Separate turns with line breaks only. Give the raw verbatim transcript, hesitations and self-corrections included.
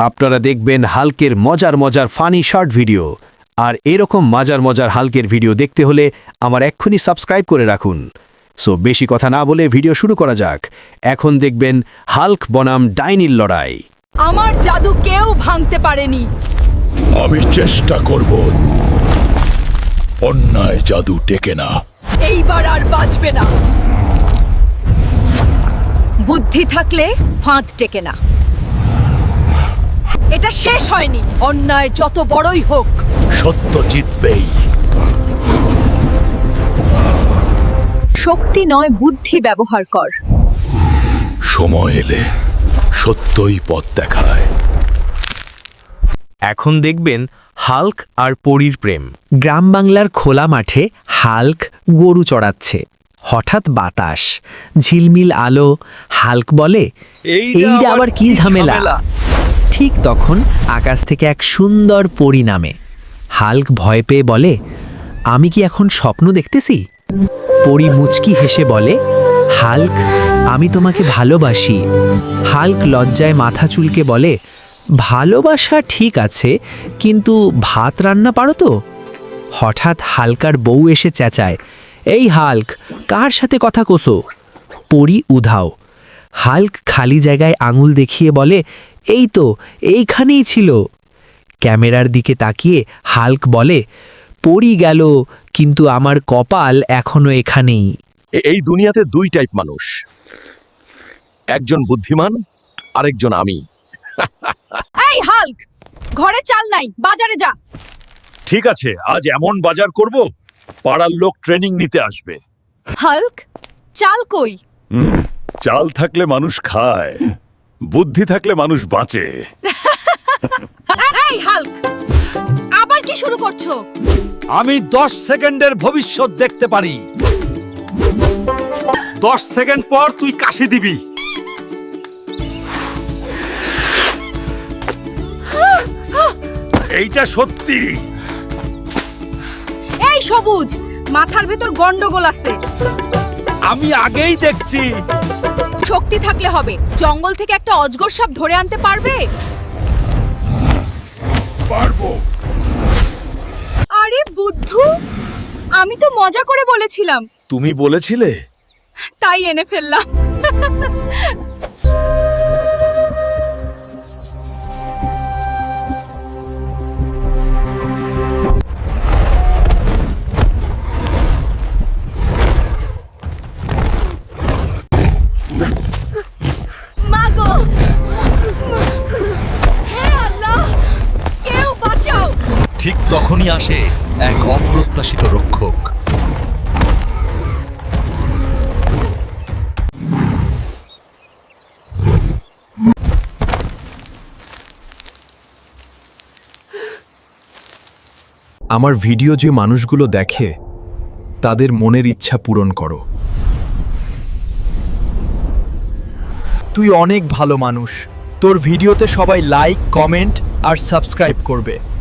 আপনারা দেখবেন হাল্কের মজার মজার ফানি শর্ট ভিডিও। আর এরকম মজার মজার হাল্কের ভিডিও দেখতে হলে আমার এক্ষুনি সাবস্ক্রাইব করে রাখুন। সো বেশি কথা না বলে ভিডিও শুরু করা যাক। এখন দেখবেন হাল্ক বনাম ডাইনির লড়াই।
আমার জাদু কেউ ভাঙতে পারেনি।
আমি চেষ্টা করব। অন্যায় জাদু টেকে না।
এইবার আর বাঁচবে না। বুদ্ধি থাকলে ফাঁদ টেকে না। এটা শেষ হয়নি। অন্যায় যত বড়ই হোক,
সত্য জিতবেই।
শক্তি নয়, বুদ্ধি ব্যবহার কর।
সময় এলে সত্যই পথ দেখায়।
এখন দেখবেন হাল্ক আর পরীর প্রেম।
গ্রাম বাংলার খোলা মাঠে হাল্ক গরু চড়াচ্ছে। হঠাৎ বাতাস, ঝিলমিল আলো। হাল্ক বলে, এইটা আবার কি ঝামেলা। ঠিক তখন আকাশ থেকে এক সুন্দর পরী নামে। হাল্ক ভয় পেয়ে বলে, আমি কি এখন স্বপ্ন দেখতেছি? পরী মুচকি হেসে বলে, হাল্ক, আমি তোমাকে ভালোবাসি। হাল্ক লজ্জায় মাথা চুলকে বলে, ভালোবাসা ঠিক আছে, কিন্তু ভাত রান্না পারো তো? হঠাৎ হাল্কার বউ এসে চেঁচায়, এই হাল্ক, কার সাথে কথা কোসো? পরী উধাও। হাল্ক খালি জায়গায় আঙুল দেখিয়ে বলে, এই তো, এইখানেই ছিল। ক্যামেরার দিকে তাকিয়ে হাল্ক বলে, পরী গেল, কিন্তু আমার কপাল এখনো এখানেই।
এই দুনিয়াতে দুই টাইপ মানুষ, একজন বুদ্ধিমান, আরেকজন আমি।
এই হাল্ক, ঘরে চাল নাই, বাজারে যা।
ঠিক আছে, আজ এমন বাজার করব, পাড়ার লোক ট্রেনিং নিতে আসবে।
হাল্ক, চাল কই?
চাল থাকলে মানুষ খায়, বুদ্ধি থাকলে মানুষ বাঁচে।
এই হাল্ক, আবার কি শুরু করছো?
আমি দশ সেকেন্ডের ভবিষ্যৎ দেখতে পারি। দশ সেকেন্ড পর তুই কাশি দিবি।
এইটা সত্যি।
এই সবুজ, মাথার ভেতর গন্ডগোল আছে।
আমি আগেই দেখছি।
শক্তি থাকলে হবে। জঙ্গল থেকে একটা অজগর সাপ ধরে আনতে পারবে?
পারবো।
আরে বুদ্ধু, আমি তো মজা করে বলেছিলাম।
তুমি বলেছিলে?
তাই এনে ফেললাম। মাগো, হে আল্লাহ, কেউ বাঁচাও।
ঠিক তখনই আসে এক অপ্রত্যাশিত রক্ষক।
আমার ভিডিও যে মানুষগুলো দেখে, তাদের মনের ইচ্ছা পূরণ করো।
তুই অনেক ভালো মানুষ। তোর ভিডিওতে সবাই লাইক, কমেন্ট আর সাবস্ক্রাইব করবে।